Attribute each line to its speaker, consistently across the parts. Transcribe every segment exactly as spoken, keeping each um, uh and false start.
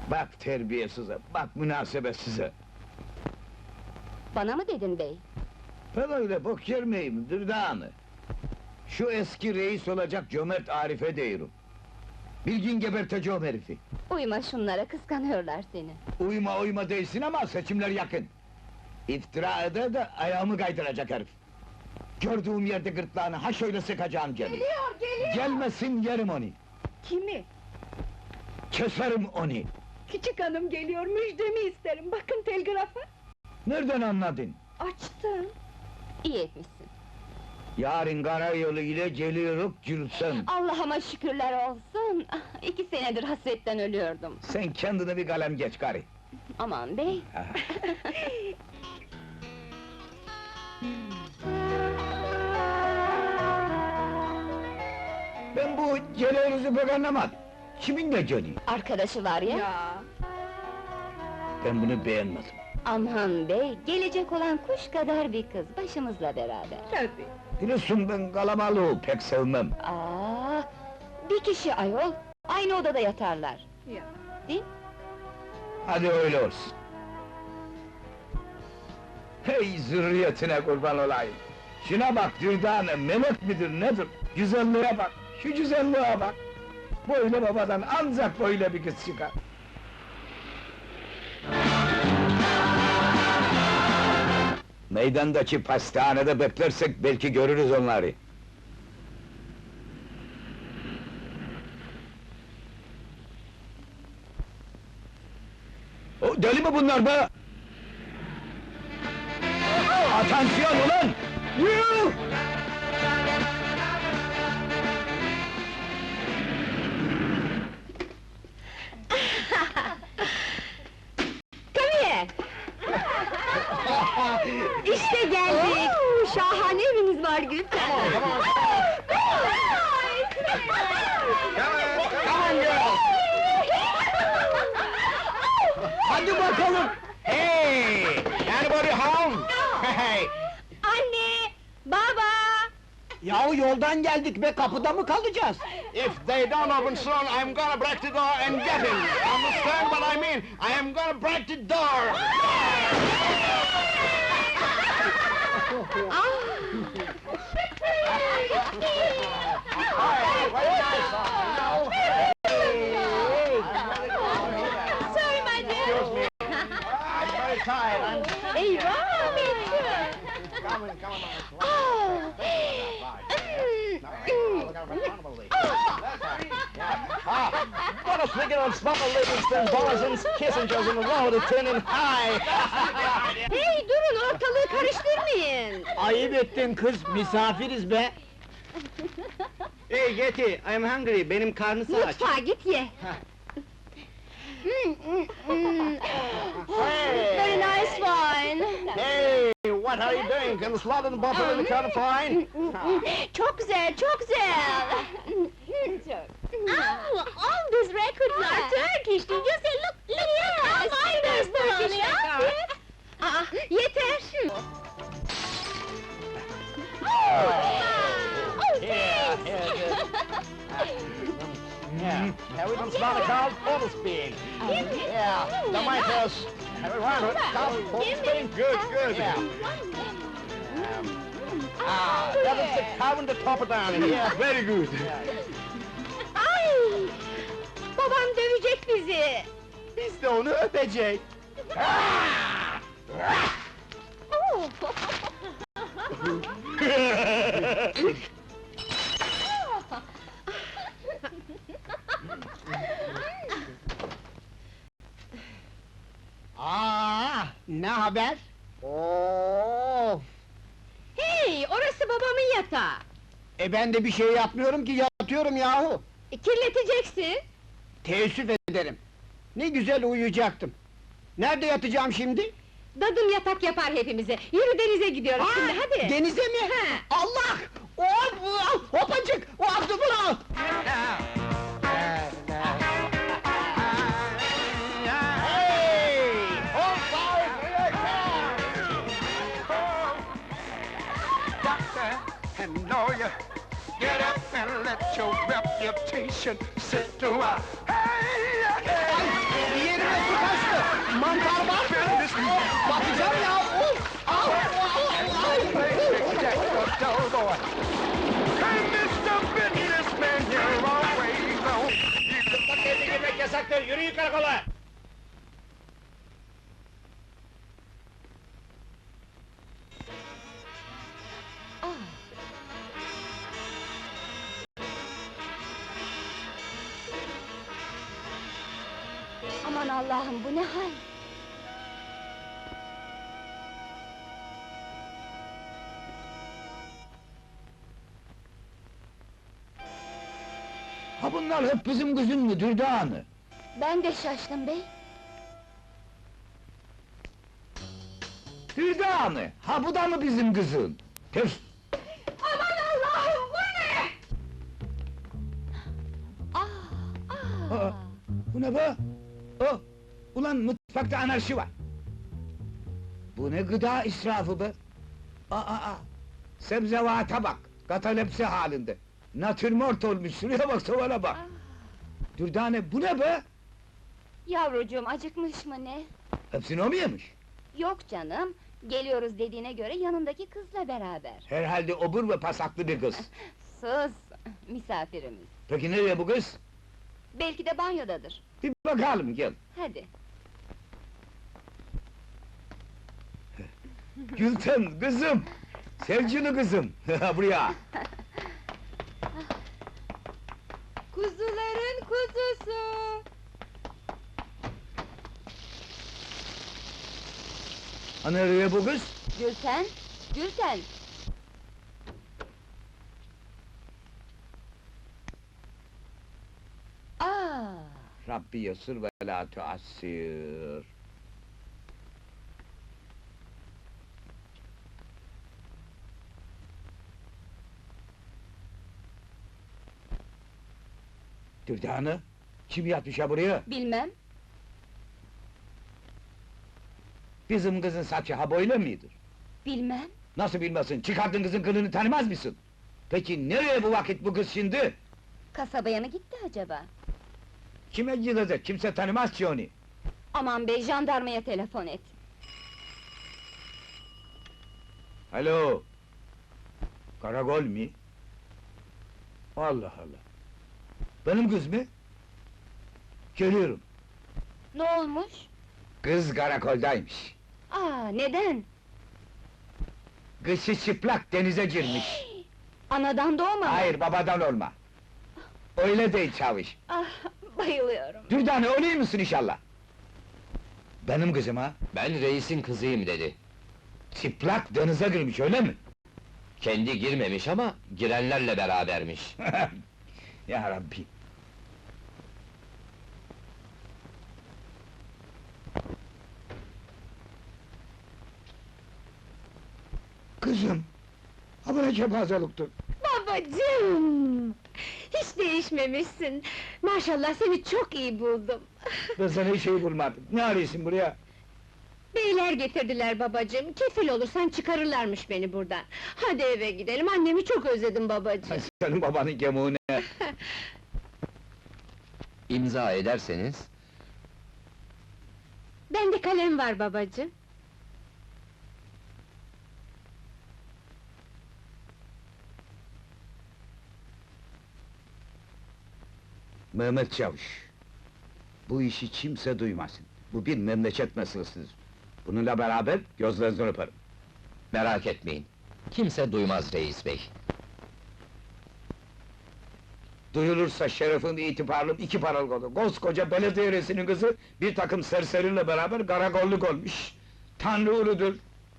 Speaker 1: Bak terbiyesize, bak münasebetsize!
Speaker 2: Bana mı dedin bey?
Speaker 1: Ben öyle bok yer miyim, Dürdanı? Şu eski reis olacak cömert Arif'e diyorum. Bilgin geberteceğim herifi!
Speaker 2: Uyma şunlara, kıskanıyorlar seni.
Speaker 1: Uyma uyma değilsin ama seçimler yakın! İftira eder de ayağımı kaydıracak herif! Gördüğüm yerde gırtlağını ha şöyle sıkacağım geliyor!
Speaker 3: Geliyor, geliyor!
Speaker 1: Gelmesin yerim onu!
Speaker 3: Kimi?
Speaker 1: Keserim onu!
Speaker 3: Küçük hanım geliyor, müjdemi isterim, bakın telgrafa!
Speaker 1: Nereden anladın?
Speaker 3: Açtım!
Speaker 2: İyi etmişsin.
Speaker 1: Yarın karayolu ile geliyoruz Gülsüm!
Speaker 2: Allah'ıma şükürler olsun! Ah, İki senedir hasretten ölüyordum.
Speaker 1: Sen kendine bir kalem geç karı!
Speaker 2: Aman bey!
Speaker 1: Ben bu geliyoruzu pek anlamadım! Kimin de geliyor?
Speaker 2: Arkadaşı var ya!
Speaker 3: Ya!
Speaker 1: Ben bunu beğenmedim!
Speaker 2: Aman bey, gelecek olan kuş kadar bir kız, başımızla beraber.
Speaker 3: Tabii!
Speaker 1: Biliyorsun ben kalabalığı pek sevmem!
Speaker 2: Aa, bir kişi ayol, aynı odada yatarlar.
Speaker 3: Ya!
Speaker 2: Değil?
Speaker 1: Hadi öyle olsun! Hey zürriyetine kurban olayım! Şuna bak Dürdane, melek midir nedir? Güzelliğe bak, şu güzelliğe bak! Böyle babadan ancak böyle bir kız çıkar! Meydandaki pastanede beklersek belki görürüz onları! O, deli mi bunlar be? Atansiyon ulan! Yuh!
Speaker 2: Come here! İşte geldik! Şahane eviniz var Gülten!
Speaker 1: Hadi bakalım! Hey! Anybody home? Hey!
Speaker 2: Anne! Baba!
Speaker 1: Yahu yoldan geldik be, kapıda mı kalacağız?
Speaker 4: If they don't open soon, I'm gonna break the door and get him! Understand what I mean? I am gonna break the door!
Speaker 2: Sorry my dear!
Speaker 4: Excuse me. I'm very tired. I'm
Speaker 2: Eyvah!
Speaker 4: coming, coming on.
Speaker 2: Oh!
Speaker 4: Ah, what a figure of smuggle Livingston, Borison's, Kissinger's in the row to turning high!
Speaker 2: Hey durun, ortalığı karıştırmayın!
Speaker 1: Ayıp ettin kız, misafiriz be!
Speaker 4: Hey Getty, I'm hungry, benim karnısı aç.
Speaker 2: Mutfağa git ye! Mm, mm, mm. Very nice wine!
Speaker 4: Hey, what are you doing? Can the slot in the bottle in the kind of fine?
Speaker 2: Çok güzel, çok güzel! Oh, all these records are Turkish, did you say? Look, look, look how fine this Turkish record! Aa, yeter! Oh, oh,
Speaker 4: Yeah,
Speaker 2: thanks!
Speaker 4: yeah, good. Yeah, have we done smart Carl Fortespeed? Yeah, the Michaels. Have we run it? Carl Fortespeed? Good, good. Yeah. Ah, that is the carbon to top it down here. Yeah, very good.
Speaker 2: Ay! Babam dövecek bizi!
Speaker 4: Biz de onu öpecek.
Speaker 2: Oh!
Speaker 1: Aa, ne haber?
Speaker 4: Of!
Speaker 2: Hey, orası babamın yatağı!
Speaker 1: E ben de bir şey yapmıyorum ki, yatıyorum yahu!
Speaker 2: E, kirleteceksin!
Speaker 1: Teessüf ederim! Ne güzel uyuyacaktım! Nerede yatacağım şimdi?
Speaker 2: Dadım yatak yapar hepimize! Yürü denize gidiyoruz
Speaker 1: Ha,
Speaker 2: şimdi, hadi!
Speaker 1: Denize mi?
Speaker 2: Ha.
Speaker 1: Allah! Hop! Hopacık! O attı bunu!
Speaker 4: Hey! Hold fire, here I come! Doctor and lawyer, get up and let your reputation sit to a... Hey!
Speaker 1: Yine
Speaker 4: Mantar var mı? Bakacağım ya! Of! Au!
Speaker 5: Hey, mister Businessman, you're always on.
Speaker 4: Bak evde girmek yasaktır, yürüyün karakola!
Speaker 2: Aman Allah'ım, bu ne hal?
Speaker 1: Ha bunlar hep bizim kızın mı Dürdane?
Speaker 2: Ben de şaştım bey.
Speaker 1: Dürdane, ha bu da mı bizim kızın? Tüf!
Speaker 3: Aman Allah'ım, bu ne?
Speaker 2: Ah,
Speaker 1: Aa,
Speaker 2: ah!
Speaker 1: bu ne be? Oh, ulan mutfakta anarşi var! Bu ne gıda israfı be? Aa, aa! Sebzevata bak, katalepsi halinde! Natürmort olmuş, şuraya bak, tavana bak! Dürdane, bu ne be?
Speaker 2: Yavrucuğum, acıkmış mı ne?
Speaker 1: Hepsini o mu yemiş?
Speaker 2: Yok canım, geliyoruz dediğine göre yanındaki kızla beraber.
Speaker 1: Herhalde obur ve pasaklı bir kız.
Speaker 2: Sus, misafirimiz.
Speaker 1: Peki nereye bu kız?
Speaker 2: Belki de banyodadır.
Speaker 1: Bir bakalım, gel!
Speaker 2: Hadi.
Speaker 1: Gülten, kızım! Sevgili kızım, buraya!
Speaker 3: Kuzuların kuzusu!
Speaker 1: Ha nereye bu kız?
Speaker 2: Gülten, Gülten! Aa,
Speaker 1: Rabbi yasır ve la tuassir. Dürdane, kim yatmış ha buraya?
Speaker 2: bilmem.
Speaker 1: Bizim kızın saçı ha böyle midir?
Speaker 2: Bilmem.
Speaker 1: Nasıl bilmesin, çıkardın kızın kılını tanımaz mısın? Peki nereye bu vakit bu kız şimdi?
Speaker 2: Kasabaya mı gitti acaba?
Speaker 1: Kime gidecek, kimse tanımaz ki onu.
Speaker 2: Aman bey, jandarmaya telefon et.
Speaker 1: Alo! Karakol mi? Allah Allah! Benim kız mı? Geliyorum.
Speaker 2: Ne olmuş?
Speaker 1: Kız karakoldaymış.
Speaker 2: Aa, neden?
Speaker 1: Kışı çıplak denize girmiş.
Speaker 2: Anadan doğma mı?
Speaker 1: Hayır, babadan olma. Öyle değil çavuş.
Speaker 2: Ah, bayılıyorum.
Speaker 1: Dürdane, öyle misin inşallah? Benim kızım ha?
Speaker 6: Ben reisin kızıyım dedi.
Speaker 1: Çıplak denize girmiş, öyle mi?
Speaker 6: Kendi girmemiş ama girenlerle berabermiş.
Speaker 1: Ya Rabbi! Kızım! Ha bu ne kepazeliktir?
Speaker 3: Babacığım! Hiç değişmemişsin. Maşallah seni çok iyi buldum.
Speaker 1: Ben sana hiç şey bulmadım. Ne arıyorsun buraya?
Speaker 3: Beyler getirdiler babacığım. Kefil olursan çıkarırlarmış beni buradan. Hadi eve gidelim. Annemi çok özledim babacığım.
Speaker 1: Senin babanın gemuğu ne?
Speaker 6: İmza ederseniz...
Speaker 3: Bende kalem var babacığım.
Speaker 1: Mehmet Çavuş! Bu işi kimse duymasın. Bu bir memleket meselesidir. Bununla beraber gözlerinizden öperim.
Speaker 6: Merak etmeyin. Kimse duymaz reis bey.
Speaker 1: Duyulursa şerefim, itibarım iki paralık olur. Koskoca belediye reisinin kızı, bir takım serseriyle beraber karakolluk olmuş. Tanrı uludur!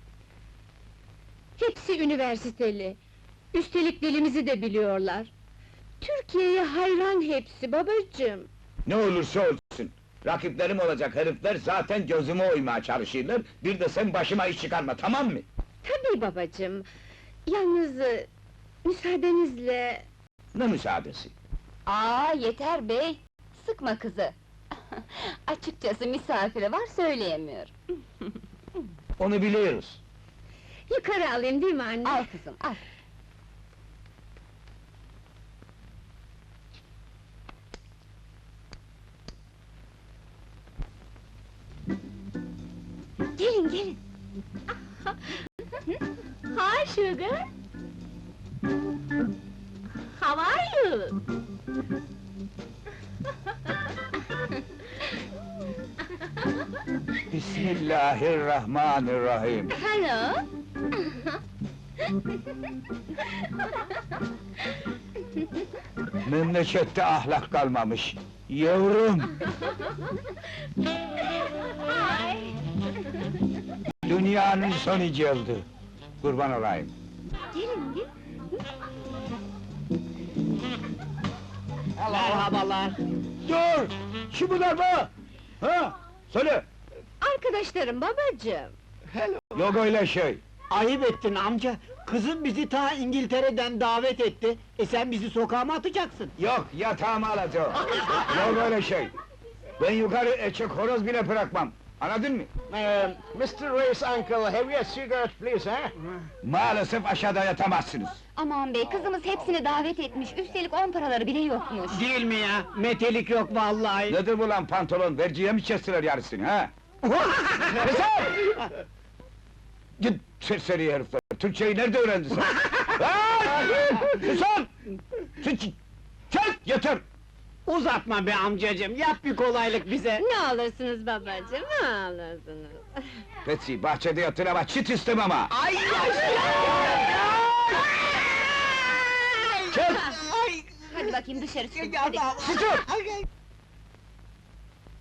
Speaker 3: Hepsi üniversiteli. Üstelik dilimizi de biliyorlar. Türkiye'ye hayran hepsi babacığım.
Speaker 1: Ne olursa olsun! Rakiplerim olacak herifler zaten gözüme oymaya çalışırlar, bir de sen başıma iş çıkarma, tamam mı?
Speaker 3: Tabii babacığım. Yalnız... e, müsaadenizle...
Speaker 1: Ne müsaadesi?
Speaker 2: Aa, yeter bey! Sıkma kızı! Açıkçası misafiri var, söyleyemiyor.
Speaker 1: Onu biliyoruz.
Speaker 3: Yukarı alayım değil mi anne?
Speaker 2: Al kızım, al! Gelin, gelin! Hi, Sugar! How are you?
Speaker 1: Bismillahirrahmanirrahim.
Speaker 2: Hello!
Speaker 1: Memlekette ahlak kalmamış. Yavrum,
Speaker 2: Hi!
Speaker 1: dünyanın son icıldı. Kurban olayım.
Speaker 2: Gelin, gelin!
Speaker 4: Merhabalar.
Speaker 1: Dur! Kim bunlar be? Ha? Söyle!
Speaker 3: Arkadaşlarım babacığım.
Speaker 1: Yok öyle şey.
Speaker 7: Ayıp ettin amca. Kızım bizi ta İngiltere'den davet etti. E sen bizi sokağa mı atacaksın?
Speaker 1: Yok, yatağımı alacağım. Yok öyle şey. Ben yukarı eçek horoz bile bırakmam. Anladın mı?
Speaker 4: Uh, mister Ray's uncle, have you a cigarette, please, huh?
Speaker 1: Maalesef aşağıda yatamazsınız.
Speaker 2: Aman bey, kızımız hepsini davet etmiş, üstelik on paraları bile yokmuş.
Speaker 7: Değil mi ya? Metelik yok vallahi.
Speaker 1: Nedir bu lan pantolon? Verciye mi kestiler yarısını ha? Keser! Git serseri herifler! Türkçeyi nerede öğrendin sen? Ha! Susun! Sus! Çek! Yeter!
Speaker 7: Uzatma be amcacığım, yap bir kolaylık bize.
Speaker 3: Ne alırsınız babacığım, ne alırsınız?
Speaker 1: Betsy, bahçede yatır ama çit istemem ha!
Speaker 7: Ay
Speaker 1: Çek!
Speaker 2: Hadi bakayım dışarı çıkın,
Speaker 7: Hadi.
Speaker 1: Susun!